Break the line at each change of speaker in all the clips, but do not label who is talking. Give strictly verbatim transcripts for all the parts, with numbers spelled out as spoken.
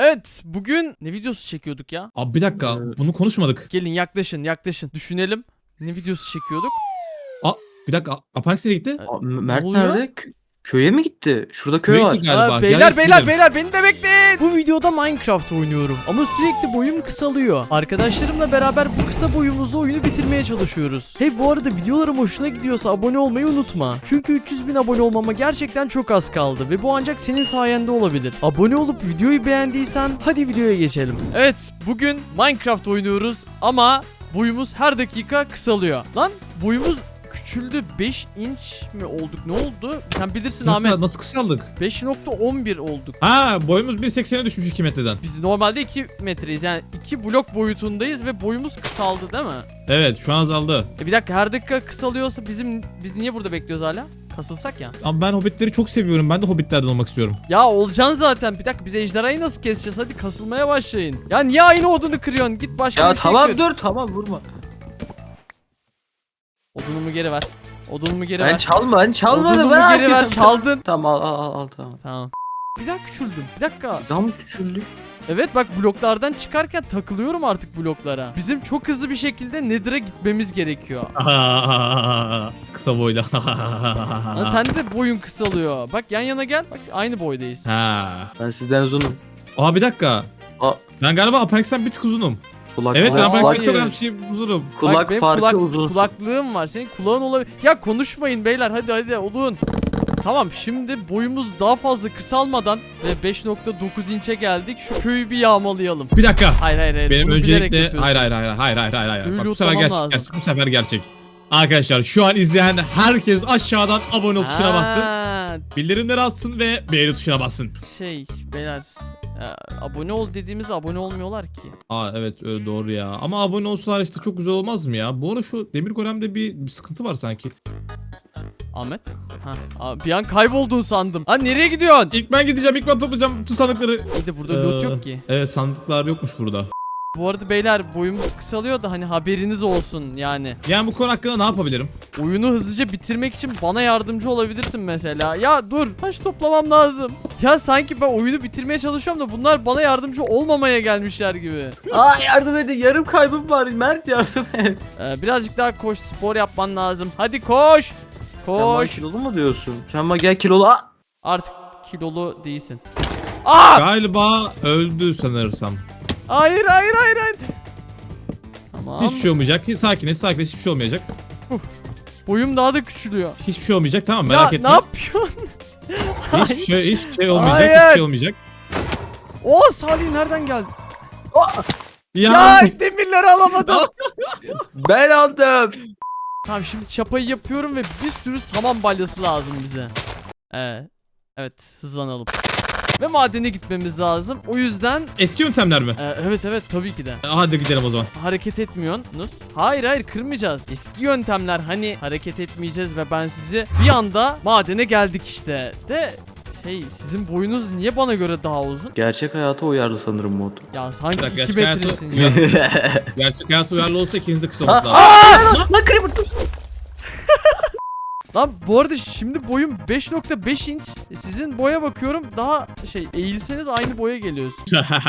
Evet, bugün ne videosu çekiyorduk ya?
Abi bir dakika,
Ee,
bunu konuşmadık.
Gelin yaklaşın yaklaşın. Düşünelim. Ne videosu çekiyorduk?
Aa, bir dakika, Aparix nereye gitti?
Aa,
Ne
Mert
oluyor?
nerede? Kö- köye mi gitti? Şurada köy
Köye
var.
gitti galiba.
Aa,
Gel,
beyler beyler
gidelim.
beyler beni de bekleyin. Bu videoda Minecraft oynuyorum. Ama sürekli boyum kısalıyor. Arkadaşlarımla beraber bu kısa boyumuzda oyunu bitirmeye çalışıyoruz. Hey, bu arada videolarım hoşuna gidiyorsa abone olmayı unutma. Çünkü üç yüz bin abone olmama gerçekten çok az kaldı. Ve bu ancak senin sayende olabilir. Abone olup videoyu beğendiysen hadi videoya geçelim. Evet, bugün Minecraft oynuyoruz ama boyumuz her dakika kısalıyor. Lan boyumuz küçüldü. beş inç mi olduk? Ne oldu? Sen bilirsin
Dakika,
Ahmet.
nasıl kısaldık?
beş nokta on bir olduk.
Ha, boyumuz bir seksene düşmüş iki metreden.
Biz normalde iki metreyiz. Yani iki blok boyutundayız ve boyumuz kısaldı değil mi?
Evet, şu an azaldı.
E bir dakika, her dakika kısalıyorsa bizim biz niye burada bekliyoruz hala? Kasılsak ya.
Ama ben hobbitleri çok seviyorum. Ben de hobbitlerden olmak istiyorum.
Ya olacaksın zaten. Bir dakika, biz ejderhayı nasıl keseceğiz? Hadi kasılmaya başlayın. Ya niye aynı odunu kırıyorsun? Git başka
Ya
bir şey
tamam
kır.
dur tamam vurma.
Odunumu geri ver. Odunumu geri
Ben
ver.
çalma ben çalmadım
Odunumu
ben.
geri ver. Çaldın.
Tamam al al al, al tamam.
Tamam. Bir daha küçüldüm. Bir dakika.
Daha mı küçüldük?
Evet bak, bloklardan çıkarken takılıyorum artık bloklara. Bizim çok hızlı bir şekilde Nether'a gitmemiz gerekiyor.
Kısa boyla.
Lan sen de boyun kısalıyor. Bak yan yana gel. Bak aynı boydayız.
Ha.
Ben sizden uzunum.
Aa, bir dakika.
Aa.
Ben galiba Aparix'ten bir tık uzunum.
Kulak,
Evet, ben
Aa,
Aparix'ten
hayır.
çok az bir şey uzunum.
kulak
Bak, benim
farkı
kulak-
uzun.
Kulaklığım var. Senin kulağın olabilir. Ya konuşmayın beyler. Hadi hadi olun. Tamam, şimdi boyumuz daha fazla kısalmadan ve beş nokta dokuz inçe geldik. Şu köyü bir yağmalayalım.
Bir dakika.
Hayır hayır hayır.
Benim
Bunu bilerek
öncelikle
yapıyorsun.
hayır hayır hayır hayır hayır hayır hayır.
Köyü
Bak, bu sefer
lootlamam
gerçek,
lazım.
gerçek. Bu sefer gerçek. Arkadaşlar, şu an izleyen herkes aşağıdan abone ol tuşuna bassın.
Ha,
Bildirimleri atsın ve beğeni tuşuna bassın.
şey beyler. ya, abone ol dediğimizde abone olmuyorlar ki.
Aa, evet, öyle doğru ya. Ama abone olsalar işte çok güzel olmaz mı ya? Bu ara şu Demir Golem'de bir, bir sıkıntı var sanki.
Ahmet. Ha, aa, bir an kayboldun sandım. Ha, nereye gidiyorsun?
İlk ben gideceğim, ilk ben toplayacağım bütün sandıkları.
İyi de burada loot
Ee,
yok ki.
Evet, sandıklar yokmuş burada.
Bu arada beyler, boyumuz kısalıyor da hani haberiniz olsun yani.
Yani bu konu hakkında ne yapabilirim?
Oyunu hızlıca bitirmek için bana yardımcı olabilirsin mesela. Ya dur, taş toplamam lazım. Ya sanki ben oyunu bitirmeye çalışıyorum da bunlar bana yardımcı olmamaya gelmişler gibi.
Aa yardım edin yarım kaybım var. Mert yardım et.
Ee, birazcık daha koş, spor yapman lazım. Hadi koş.
Sen bana
Koş.
kilolu mu diyorsun? Sen bana gel kilolu. Aa!
Artık kilolu değilsin. Aa!
Galiba öldü sanırsam.
Hayır hayır hayır hayır. Tamam.
Hiçbir şey olmayacak. Hiç sakiniz, sakiniz. Hiçbir şey olmayacak.
Boyum daha da küçülüyor.
Hiçbir şey olmayacak, tamam, merak
ya
etme.
ne yapıyorsun?
Hiçbir şey, hiçbir şey olmayacak.
Hayır.
Hiçbir şey olmayacak.
O Salih nereden geldi?
Ya,
Ya demirleri alamadım.
Ben aldım.
Tamam, şimdi çapayı yapıyorum ve bir sürü saman balyası lazım bize. Evet. Evet, hızlanalım. Ve madene gitmemiz lazım. O yüzden
eski yöntemler mi?
e, evet evet tabii ki de.
E, Hadi gidelim o zaman.
Hareket etmiyorsunuz. Hayır hayır, kırmayacağız. Eski yöntemler, hani hareket etmeyeceğiz ve ben sizi bir anda madene geldik işte. De şey, sizin boyunuz niye bana göre daha uzun?
Gerçek hayata uyarlı sanırım mod.
Ya sanki
Bir dakika,
iki
gerçek hayatı-
metresin ya.
Gerçek hayat uyarlı olsa ikiniz de kısa olması lazım.
Aa! Lan creeper dur.
Lan bu arada şimdi boyum beş nokta beş inç. E, Sizin boya bakıyorum, daha şey, eğilseniz aynı boya geliyorsun.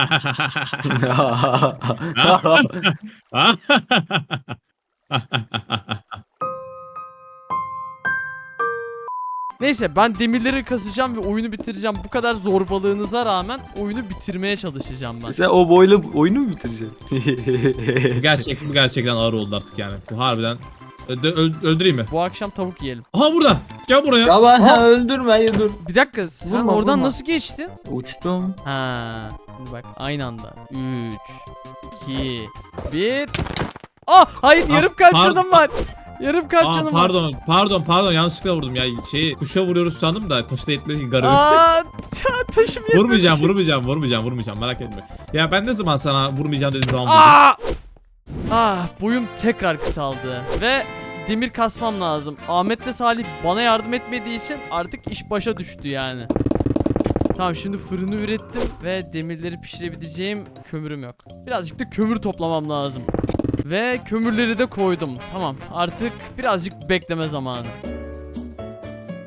Neyse, ben demirleri kasacağım ve oyunu bitireceğim. Bu kadar zorbalığınıza rağmen oyunu bitirmeye çalışacağım ben.
Sen o boyla oyunu mu bitireceksin?
Bu gerçek, bu gerçekten ağır oldu artık yani. Bu harbiden. Ö- öl- öldüreyim mi?
Bu akşam tavuk yiyelim.
Aha, burada. Gel buraya.
Ya ben
Aa!
öldürme ya dur.
Bir dakika, sen
Vurma,
oradan
vurma.
nasıl geçtin?
Uçtum.
Ha, şimdi bak aynı anda. üç, iki, bir. Ah hayır,
Ah,
yarım kalp
par-
canım var. Yarım kalp
Aa,
canım var.
pardon, pardon, pardon. Yanlışlıkla vurdum ya. Şeyi kuşa vuruyoruz sandım da taşı da yetmedi ki garip.
Aa, ta- taşım yetmedi.
Vurmayacağım, vurmayacağım, vurmayacağım, vurmayacağım. Merak etme. Ya ben ne zaman sana vurmayacağım dediğim zaman vurdum.
Aa! Ah, boyum tekrar kısaldı ve demir kasmam lazım. Ahmet'le Salih bana yardım etmediği için artık iş başa düştü yani. Tamam, şimdi fırını ürettim ve demirleri pişirebileceğim kömürüm yok. Birazcık da kömür toplamam lazım. Ve kömürleri de koydum. Tamam, artık birazcık bekleme zamanı.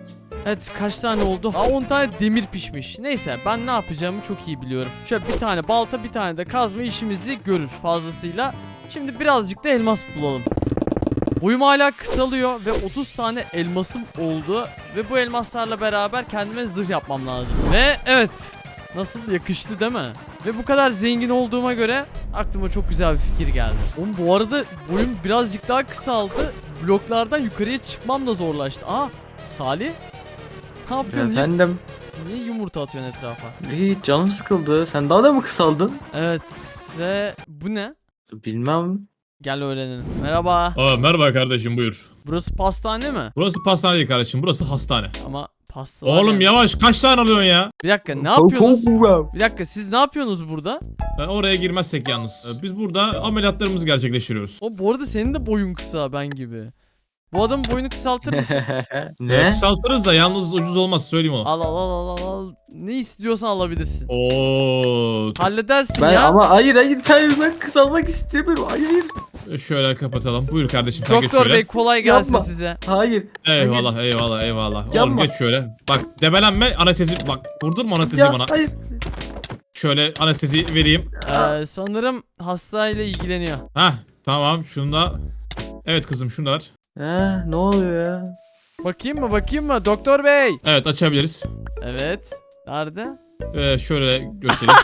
Evet, kaç tane oldu? Aa, on tane demir pişmiş. Neyse, ben ne yapacağımı çok iyi biliyorum. Şöyle bir tane balta, bir tane de kazma işimizi görür fazlasıyla. Şimdi birazcık da elmas bulalım. Boyum hala kısalıyor ve otuz tane elmasım oldu. Ve bu elmaslarla beraber kendime zırh yapmam lazım. Ve evet, nasıl yakıştı değil mi? Ve bu kadar zengin olduğuma göre aklıma çok güzel bir fikir geldi. Oğlum bu arada boyum birazcık daha kısaldı. Bloklardan yukarıya çıkmam da zorlaştı. Aa, Salih? Ne yapıyorsun? Niye,
Efendim.
niye yumurta atıyorsun etrafa?
İyi, canım sıkıldı. Sen daha da mı kısaldın?
Evet, ve bu ne?
Bilmem.
Gel öğrenelim. Merhaba.
Aa, merhaba kardeşim, buyur.
Burası pastane mi?
Burası pastane değil kardeşim, burası hastane.
Ama pasta.
Oğlum yavaş, kaç tane alıyorsun ya?
Bir dakika, ne yapıyorsunuz?
Çok
Bir dakika, siz ne yapıyorsunuz burada?
Ben oraya girmezsek yalnız. Ee, Biz burada ameliyatlarımızı gerçekleştiriyoruz.
O bu arada senin de boyun kısa ben gibi. Bu adamın boyunu kısaltır mısın?
Ee,
Ne?
Kısaltırız da yalnız ucuz olmaz, söyleyeyim onu.
Al al al al al. Ne istiyorsan alabilirsin.
Oo.
Halledersin
Ben
ya.
ama hayır hayır hayır ben kısalmak istemiyorum. Hayır.
Şöyle kapatalım. Buyur kardeşim, sen geç
Doktor
şöyle.
Bey kolay gelsin
Yapma.
size.
Hayır.
Eyvallah eyvallah eyvallah. Oğlum
Yapma.
geç şöyle. Bak debelenme, anestezi, bak vurdurma anestezi
Ya
bana.
hayır.
Şöyle anestezi vereyim.
Ee, sanırım hastayla ilgileniyor.
Hah tamam, şunu da. Evet kızım, şunu da ver.
Ha, ne oluyor ya?
Bakayım mı bakayım mı Doktor Bey?
Evet, açabiliriz.
Evet. Nerede?
Ee, şöyle göstereyim.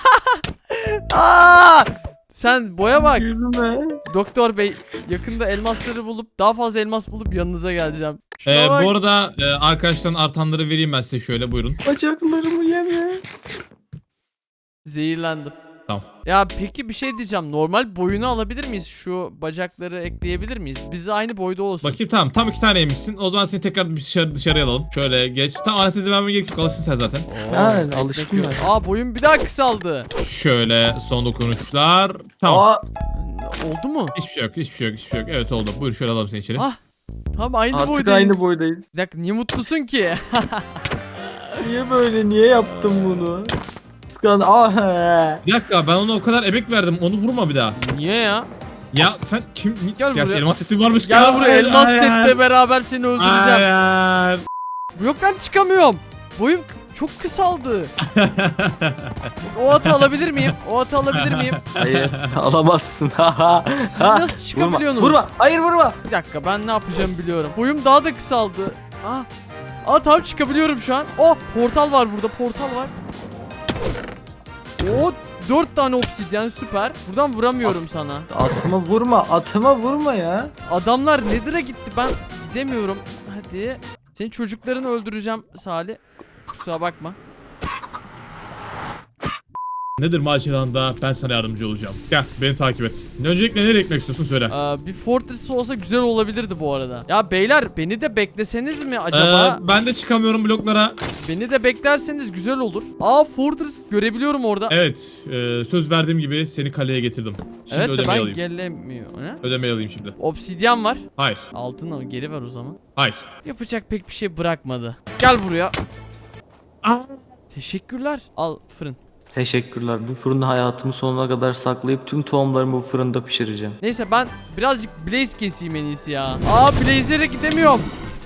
Aa! Sen boya bak.
Gülme.
Doktor Bey yakında elmasları bulup daha fazla elmas bulup yanınıza geleceğim. Şuna
Ee,
bak.
bu arada e, arkadaşların artanları vereyim ben size, şöyle buyurun.
Bacaklarımı yeme.
Zehirlendim.
Tamam.
Ya peki bir şey diyeceğim. Normal boyunu alabilir miyiz? Şu bacakları ekleyebilir miyiz? Biz de aynı boyda olsun.
Bakayım, tamam, tam iki tane yemişsin. O zaman seni tekrar bir dışarı, dışarıya alalım. Şöyle geç. Tam anestezi vermeye gerek yok, alışsın sen zaten.
Oo,
Ha,
ekmek
alıştım
yok.
ben.
Aa, boyum bir daha kısaldı.
Şöyle son dokunuşlar. Tamam.
Aa,
Oldu mu?
Hiçbir şey yok, hiçbir şey yok, hiçbir şey yok. Evet oldu. Buyur şöyle alalım seni içeri.
Ah, Tam aynı
artık
boydayız.
aynı boydayız.
Bir dakika, niye mutlusun ki?
Niye böyle? Niye yaptım bunu? Kıskan. Ah. he.
Bir dakika, ben ona o kadar emek verdim. Onu vurma bir daha.
Niye ya?
Ya sen kim?
Gel
Gerçi
buraya.
elmas seti varmış.
Gel buraya,
Hayır,
elmas
hayır.
setle beraber seni öldüreceğim.
Hayır.
Yok lan, çıkamıyorum. Boyum çok kısaldı. O atı alabilir miyim? O atı alabilir miyim?
Hayır. Alamazsın.
Siz nasıl çıkabiliyorsunuz?
Vurma. Hayır vurma.
Bir dakika, ben ne yapacağımı biliyorum. Boyum daha da kısaldı. Ah. Aa, tamam, çıkabiliyorum şu an. Oh, portal var burada, portal var. Oo, dört tane obsidyen, süper. Buradan vuramıyorum sana.
Atıma vurma. Atıma vurma ya.
Adamlar Nether'a gitti, ben gidemiyorum. Hadi. Senin çocuklarını öldüreceğim Salih. Kusura bakma.
Nedir maceranda? Ben sana yardımcı olacağım. Gel beni takip et. Öncelikle nereye gitmek istiyorsun söyle.
Ee, bir fortress olsa güzel olabilirdi bu arada. Ya beyler, beni de bekleseniz mi acaba?
Ee, ben de çıkamıyorum bloklara.
Beni de beklerseniz güzel olur. Aa, fortress görebiliyorum orada.
Evet, e, söz verdiğim gibi seni kaleye getirdim. Şimdi
Evet de
ödemeyi
ben
alayım.
gelemiyorum. Ne?
Ödemeyi alayım şimdi.
Obsidyen var.
Hayır.
Altın al, geri ver o zaman.
Hayır.
Yapacak pek bir şey bırakmadı. Gel buraya. Teşekkürler. Al fırın.
Teşekkürler. Bu fırını hayatımın sonuna kadar saklayıp tüm tohumlarımı bu fırında pişireceğim.
Neyse, ben birazcık blaze keseyim en iyisi ya. Aa, blaze'lere gidemiyorum.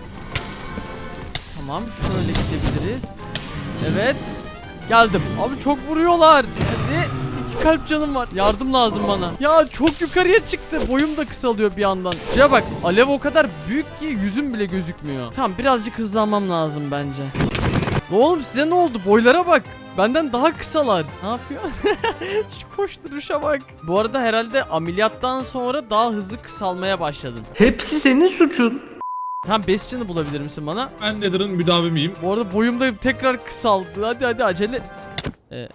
Tamam, şöyle gidebiliriz. Evet. Geldim. Abi çok vuruyorlar. Hadi. İki kalp canım var. Yardım lazım bana. Ya çok yukarıya çıktı. Boyum da kısalıyor bir yandan. Şuraya bak. Alev o kadar büyük ki yüzüm bile gözükmüyor. Tamam, birazcık hızlanmam lazım bence. Oğlum size ne oldu? Boylara bak. Benden daha kısalar. Ne yapıyor? Şu koşturuşa bak. Bu arada herhalde ameliyattan sonra daha hızlı kısalmaya başladın.
Hepsi senin suçun.
Tamam, Bastion'ı bulabilir misin bana?
Ben Nether'ın müdavimiyim.
Bu arada boyum da tekrar kısaldı. Hadi hadi acele. Ee,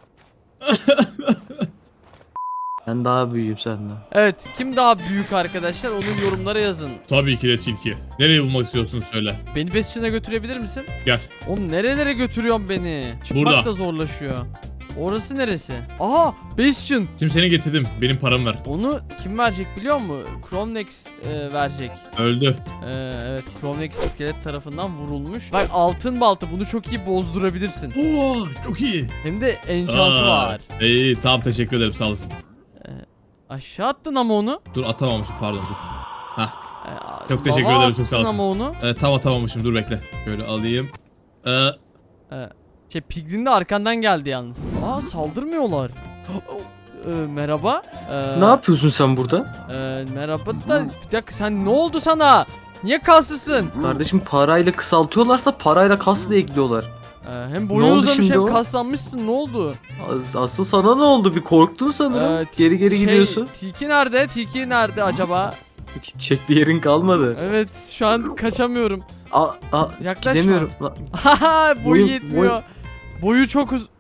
Ben daha büyüğüm senden.
evet, kim daha büyük arkadaşlar? Onu yorumlara yazın.
Tabii ki de tilki. Nereye bulmak istiyorsun söyle.
Beni Bastion'a götürebilir misin?
Gel.
Oğlum nerelere götürüyorsun beni? Çıkmak
Burada.
da zorlaşıyor. Orası neresi? Aha, Bastion.
Şimdi seni getirdim. Benim paramı ver.
Onu kim verecek biliyor musun? Chromenex e, verecek.
Öldü.
Ee, evet, Chromenex iskelet tarafından vurulmuş. Bak, altın balta, bunu çok iyi bozdurabilirsin.
Oo, çok iyi.
Hem de enchant'ı
Aa,
var.
İyi tamam, teşekkür ederim, sağ olasın.
Aşağı attın ama onu.
Dur atamamışım, pardon dur. Hah.
Ee,
Çok teşekkür
lava
ederim, çok sağ
attın
olasın.
ama onu.
Ee, tam atamamışım, dur bekle. Şöyle alayım. Ee,
Ee, şey Piglin de arkandan geldi yalnız. Aa saldırmıyorlar. Ee, merhaba. Ee,
Ne yapıyorsun sen burada?
e, merhaba da bir dakika sen ne oldu sana? Niye kaslısın?
Kardeşim parayla kısaltıyorlarsa parayla kasla ekliyorlar.
Ee, hem
Ne
boyun
oldu
uzamış
şimdi
hem
o?
kaslanmışsın ne oldu?
As- Asıl sana ne oldu? Bir korktun sanırım.
Ee, t-
geri geri
şey,
gidiyorsun.
Tilki nerede? Tilki nerede acaba?
Gidecek bir yerin kalmadı.
Evet şu an kaçamıyorum.
Aa, aa,
Yaklaşma.
gidemiyorum. Lan,
Haha boyu
Boyum-
yetmiyor. Boyu çok uz...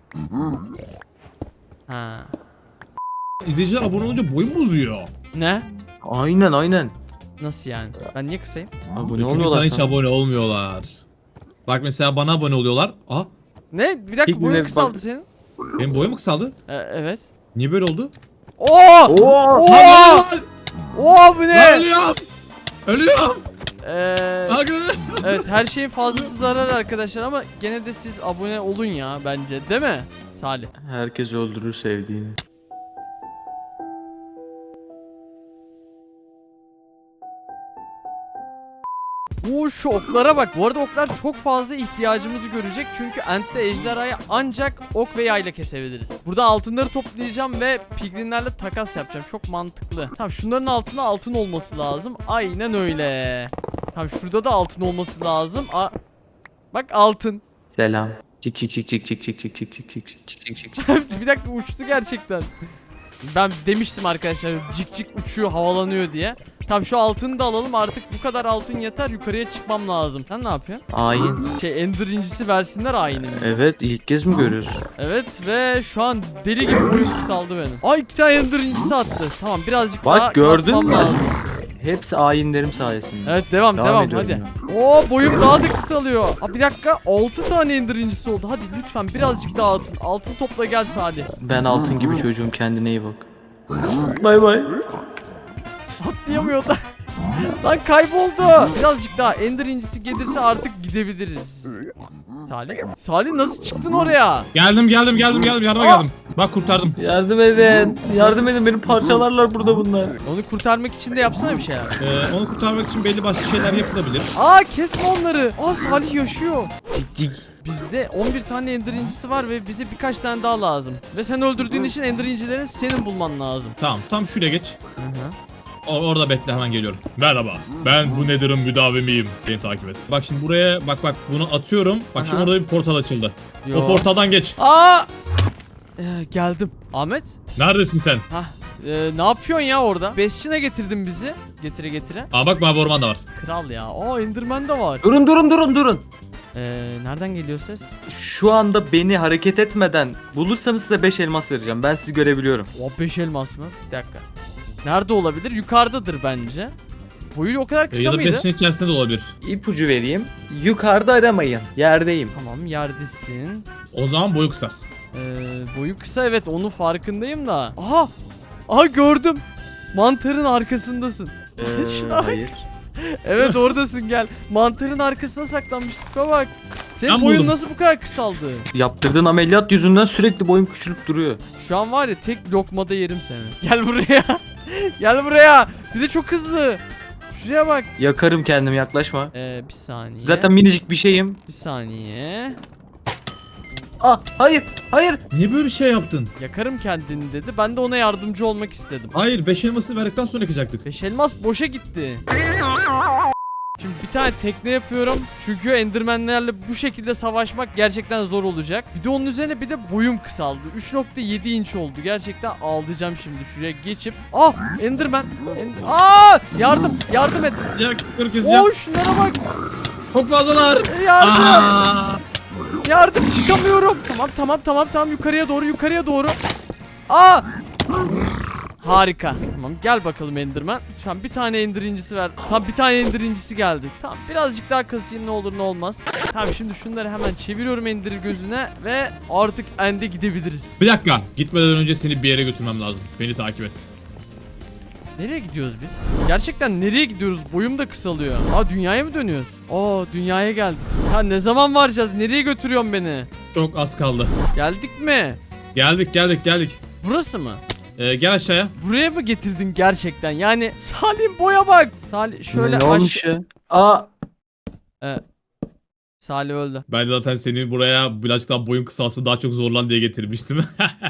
Ha.
izleyiciler abone olunca boyum mu uzuyor?
Ne?
Aynen aynen.
Nasıl yani? Ben niye kısayım?
Abone
Çünkü
olmuyorlar
sana hiç
sana.
abone olmuyorlar. Bak mesela bana abone oluyorlar. Aa,
Ne? Bir dakika
Peki,
boyun
ne-
kısaldı
bak-
senin.
benim boyum mu kısaldı?
Ee, evet.
Niye böyle oldu?
Oo!
Oo!
Oo!
Lan
Oo bu
Lan
ne?
ölüyorum! Ölüyorum!
Ee,
Arkadaşlar!
evet her şeyin fazlası zarar arkadaşlar ama gene de siz abone olun ya bence değil mi Salih?
Herkes öldürür sevdiğini.
Oo şu oklara bak. Bu arada oklar çok fazla ihtiyacımızı görecek. Çünkü Ent'te ejderhayı ancak ok ve yayla kesebiliriz. Burada altınları toplayacağım ve piglinlerle takas yapacağım. Çok mantıklı. Tamam şunların altında altın olması lazım. Aynen öyle. Tamam şurada da altın olması lazım. A bak altın.
Selam. Çık çık çık çık çık çık çık çık çık çık çık çık çık çık.
Bir dakika uçtu gerçekten. Ben demiştim arkadaşlar cik cik uçuyor havalanıyor diye. Tamam şu altını da alalım artık bu kadar altın yeter yukarıya çıkmam lazım. Sen ne yapıyorsun?
Ayin.
Şey Ender incisi versinler ayini.
Evet ilk kez mi görüyoruz?
Evet ve şu an deli gibi boyum kısaldı benim. Ay iki tane Ender incisi attı. Tamam birazcık
Bak,
daha
gördün
kasmam
mü?
lazım.
Hepsi ayinlerim sayesinde.
Evet devam
Devam
devam,
ediyorum
hadi. Oo boyum daha da kısalıyor. Aa, bir dakika altı tane Ender incisi oldu. Hadi lütfen birazcık daha altın. Altın topla gel Salih.
Ben altın gibi çocuğum, kendine iyi bak. Bay bay.
Atlayamıyor da. Lan kayboldu. Birazcık daha Ender incisi gelirse artık gidebiliriz. Salih. Salih nasıl çıktın oraya?
Geldim geldim geldim geldim yardıma
Aa!
geldim. Bak kurtardım.
Yardım edin. Yardım edin, beni parçalarlar burada bunlar.
Onu kurtarmak için de yapsana bir şeyler.
Ee, onu kurtarmak için belli başlı şeyler yapılabilir.
Aa kesme onları. Aa Salih yaşıyor.
Cik cik.
Bizde on bir tane Ender incisi var ve bize birkaç tane daha lazım. Ve sen öldürdüğün için Ender incilerini senin bulman lazım.
Tamam tam şuraya geç.
Hı hı.
O- orada bekle hemen geliyorum. Merhaba. Ben bu Nether'ın müdavimiyim. Beni takip et. Bak şimdi buraya bak bak bunu atıyorum. Bak şimdi
Aha.
orada bir portal açıldı.
Yo.
O portaldan geç.
Aa! Ee, geldim. Ahmet?
Neredesin sen?
Hah. Ee, ne yapıyorsun ya orada? Besçine getirdin bizi. Getire getire.
Aa bak mavi orman da var.
Kral ya. Aa Enderman de var.
Durun durun durun durun.
Ee, nereden geliyor ses?
Şu anda beni hareket etmeden bulursanız size beş elmas vereceğim. Ben sizi görebiliyorum.
O beş elmas mı? Bir dakika. Nerede olabilir? Yukarıdadır bence. Boyu o kadar
Ee,
kısa
ya da
mıydı?
besin içerisinde de olabilir.
İpucu vereyim. Yukarıda aramayın. Yerdeyim.
Tamam yerdesin.
O zaman boyu kısa.
Ee, boyu kısa evet onun farkındayım da. Aha! Aha gördüm. Mantarın arkasındasın.
Ee,
Şuna bak.
hayır.
Evet oradasın gel. Mantarın arkasına saklanmıştık bak. Senin
Ben
boyun
buldum.
nasıl bu kadar kısaldı?
Yaptırdığın ameliyat yüzünden sürekli boyum küçülüp duruyor.
Şu an var ya tek lokmada yerim seni. Gel buraya. Gel buraya. Bir de çok hızlı. Şuraya bak.
Yakarım kendimi, yaklaşma.
Ee, bir saniye.
Zaten minicik bir şeyim.
Bir saniye.
Ah hayır hayır.
Niye böyle şey yaptın?
Yakarım kendini dedi. Ben de ona yardımcı olmak istedim.
Hayır beş elması verdikten sonra yakacaktık.
Beş elmas boşa gitti. Şimdi bir tane tekne yapıyorum. Çünkü endermenlerle bu şekilde savaşmak gerçekten zor olacak. Bir de onun üzerine bir de boyum kısaldı. üç nokta yedi inç oldu. Gerçekten ağlayacağım şimdi şuraya geçip. Ah enderman. End Aa yardım yardım et.
Ya kırk keseceğim.
Oo şunlara bak.
Çok fazlalar.
Yardım.
Aa!
Yardım çıkamıyorum. Tamam tamam tamam tamam yukarıya doğru yukarıya doğru. Aa! Harika. Tamam gel bakalım Enderman. Şu an bir tane Ender incisi ver. Tam bir tane Ender incisi geldi. Tamam birazcık daha kasayım ne olur ne olmaz. Tamam şimdi şunları hemen çeviriyorum Ender gözüne ve artık End'e gidebiliriz.
Bir dakika. Gitmeden önce seni bir yere götürmem lazım. Beni takip et.
Nereye gidiyoruz biz? Gerçekten nereye gidiyoruz? Boyum da kısalıyor. Aa dünyaya mı dönüyoruz? Aa dünyaya geldik. Ya ne zaman varacağız? Nereye götürüyorsun beni?
Çok az kaldı.
Geldik mi?
Geldik geldik geldik.
Burası mı?
Ee, gel aşağıya.
Buraya mı getirdin gerçekten? Yani Salim boya bak. Salih şöyle
ne
aş-
olmuş ya? Aa
Ee, Salih öldü.
Ben de zaten seni buraya birazcık daha boyun kısalsın daha çok zorlan diye getirmiştim.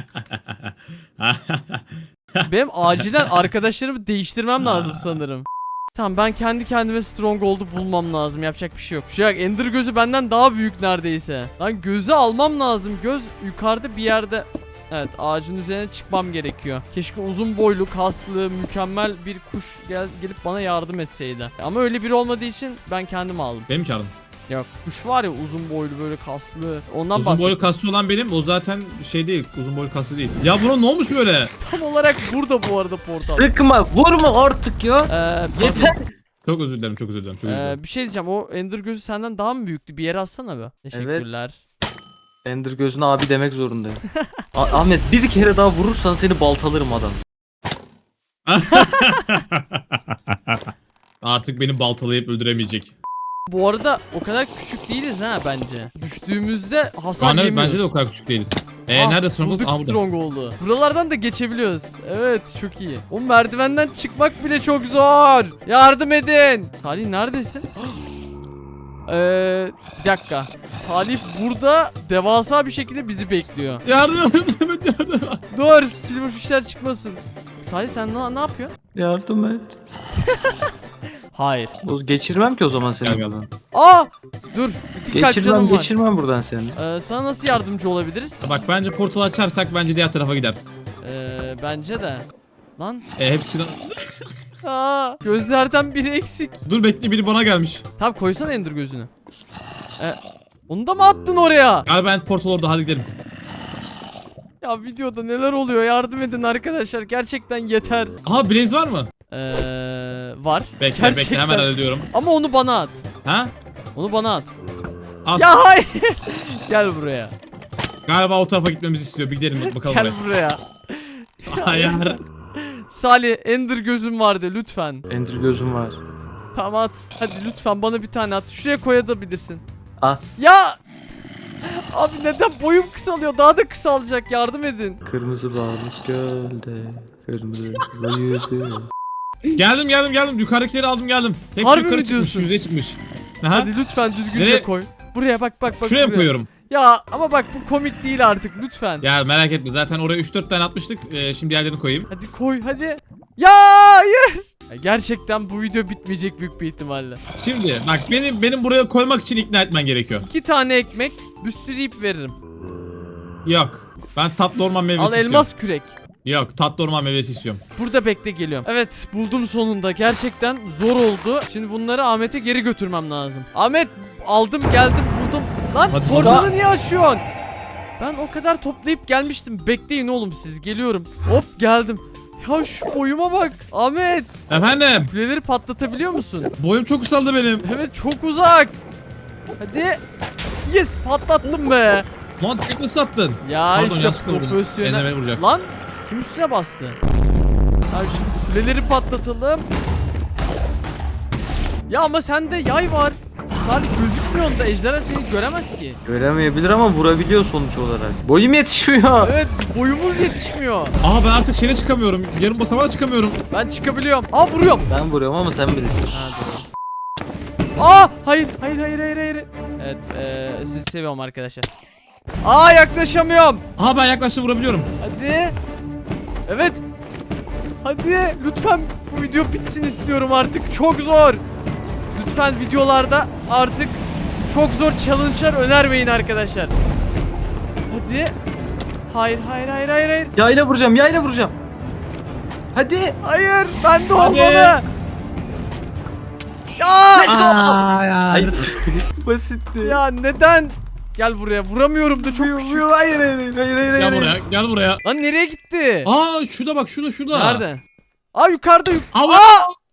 Benim acilen arkadaşlarımı değiştirmem lazım sanırım. Tamam ben kendi kendime Stronghold'u bulmam lazım. Yapacak bir şey yok. Şu an Ender gözü benden daha büyük neredeyse. Lan gözü almam lazım. Göz yukarıda bir yerde. Evet ağacın üzerine çıkmam gerekiyor. Keşke uzun boylu, kaslı, mükemmel bir kuş gel gelip bana yardım etseydi. Ama öyle biri olmadığı için ben kendim aldım.
Benim çağırdım.
Yok kuş var ya uzun boylu böyle kaslı. Ondan
Uzun
bahsediyorum.
boylu kaslı olan benim. O zaten şey değil. Uzun boylu kaslı değil. Ya buna ne olmuş böyle?
Tam olarak burada bu arada portal.
Sıkma, vurma artık ya.
Ee, pardon.
Yeter.
Çok özür dilerim. Çok özür dilerim. Çok özür dilerim.
Ee, bir şey diyeceğim. O Ender gözü senden daha mı büyüktü? Bir yere atsana be. Teşekkürler.
Ender gözüne abi demek zorundayım. A- Ahmet bir kere daha vurursan seni baltalarım adam.
Artık beni baltalayıp öldüremeyecek.
Bu arada o kadar küçük değiliz ha bence. Düştüğümüzde hasar
Aa, evet,
yemiyoruz.
bence de o kadar küçük değiliz. Eee
Ah,
nerede Stronghold?
bulduk
Aa, burada.
Stronghold'u. Buralardan da geçebiliyoruz. Evet çok iyi. O merdivenden çıkmak bile çok zor. Yardım edin. Salih neredesin? Eee bir dakika. Salih burada devasa bir şekilde bizi bekliyor.
Yardım et. Evet, yardım et.
Dur silverfishler çıkmasın. Salih sen ne, ne yapıyorsun?
Yardım et.
Hayır.
O geçirmem ki o zaman seni
Gel, gel.
buradan.
Aa! Dur. İki kalp
Geçirmem,
canım var.
geçirmem buradan seni.
Ee, sana nasıl yardımcı olabiliriz?
Bak bence portal açarsak bence diğer tarafa gider.
Ee, bence de. Lan.
E hepsini...
Aa, gözlerden biri eksik.
Dur bekle biri bana gelmiş.
Tamam koysana Ender gözünü. Ee, onu da mı attın oraya?
Galiba ben portal orada hadi gidelim.
Ya videoda neler oluyor yardım edin arkadaşlar gerçekten yeter.
Aha Blaze var mı?
Ee, var.
Bekle
Gerçekten.
bekle hemen hallediyorum.
Ama onu bana at.
Ha?
Onu bana at.
At.
Ya hayır. Gel buraya.
Galiba o tarafa gitmemizi istiyor. Bir gidelim bakalım
Gel
oraya.
buraya.
Hayır.
Salih Ender gözüm vardı lütfen.
Ender gözüm var.
Tamam at. Hadi lütfen bana bir tane at. Şuraya koyabilirsin.
Ah.
Ya. Abi neden boyum kısalıyor? Daha da kısalacak. Yardım edin.
Kırmızı balık gölde. Kırmızı yüzü.
Geldim geldim geldim. Yukarıdakileri aldım geldim. Hepsi
Harbi
yukarı
mi
çıkmış.
diyorsun?
Yüzeye çıkmış. Aha.
Hadi lütfen düzgünce
Nereye?
koy. Buraya bak bak bak.
Şuraya mı
buraya.
koyuyorum?
Ya ama bak bu komik değil artık lütfen.
Ya merak etme. Zaten oraya üç dört tane atmıştık. Ee, şimdi diğerlerini koyayım.
Hadi koy hadi. Ya hayır. Ya gerçekten bu video bitmeyecek büyük bir ihtimalle.
Şimdi bak benim benim buraya koymak için ikna etmen gerekiyor.
İki tane ekmek, bir sürü ip veririm.
Yok. Ben tatlı orman meyvesi
Al
istiyorum.
elmas kürek.
Yok tatlı orman meyvesi istiyorum.
Burada bekle geliyorum. Evet buldum sonunda. Gerçekten zor oldu. Şimdi bunları Ahmet'e geri götürmem lazım. Ahmet aldım geldim buldum. Lan
Hadi,
portalı
hadi.
niye açıyorsun? Ben o kadar toplayıp gelmiştim. Bekleyin oğlum siz geliyorum. Hop geldim. Ya şu boyuma bak. Ahmet.
Efendim.
Kuleleri patlatabiliyor musun?
Boyum çok kısaldı benim.
Evet çok uzak. Hadi. Yes patlattım be.
Lan tek nasıl attın?
Ya
Pardon,
işte
yanlışlıkla vurdum.
profesyonel.
Elime vuracak.
Lan kim üstüne bastı? Ya şimdi kuleleri patlatalım. Ya ama sende yay var. Salih gözükmüyor da ejderha seni göremez ki.
Göremeyebilir ama vurabiliyor sonuç olarak. Boyum yetişmiyor.
Evet boyumuz yetişmiyor.
Aa ben artık şeyle çıkamıyorum. Yarım basamağa çıkamıyorum.
Ben çıkabiliyorum. Aa vuruyorum.
Ben vuruyorum ama sen bilirsin.
Ha, doğru. Aa hayır hayır hayır hayır hayır. Evet eee sizi seviyorum arkadaşlar. Aa yaklaşamıyorum.
Aa ben yaklaştım vurabiliyorum.
Hadi. Evet. Hadi lütfen bu video bitsin istiyorum artık. Çok zor. Lütfen videolarda artık çok zor challenge'lar önermeyin arkadaşlar. Hadi. Hayır hayır hayır hayır hayır.
Yayla vuracağım, yayla vuracağım. Hadi.
Hayır bende
Hadi.
olmalı. Ya.
Let's go.
Aa,
Hayır. Basitti.
Ya neden? Gel buraya vuramıyorum da çok küçük.
Hayır hayır hayır hayır hayır.
Gel buraya gel buraya.
Lan nereye gitti?
Aa şurada bak şurada şurada.
Nerede? Aa yukarıda yuk.
Allah.
Aa!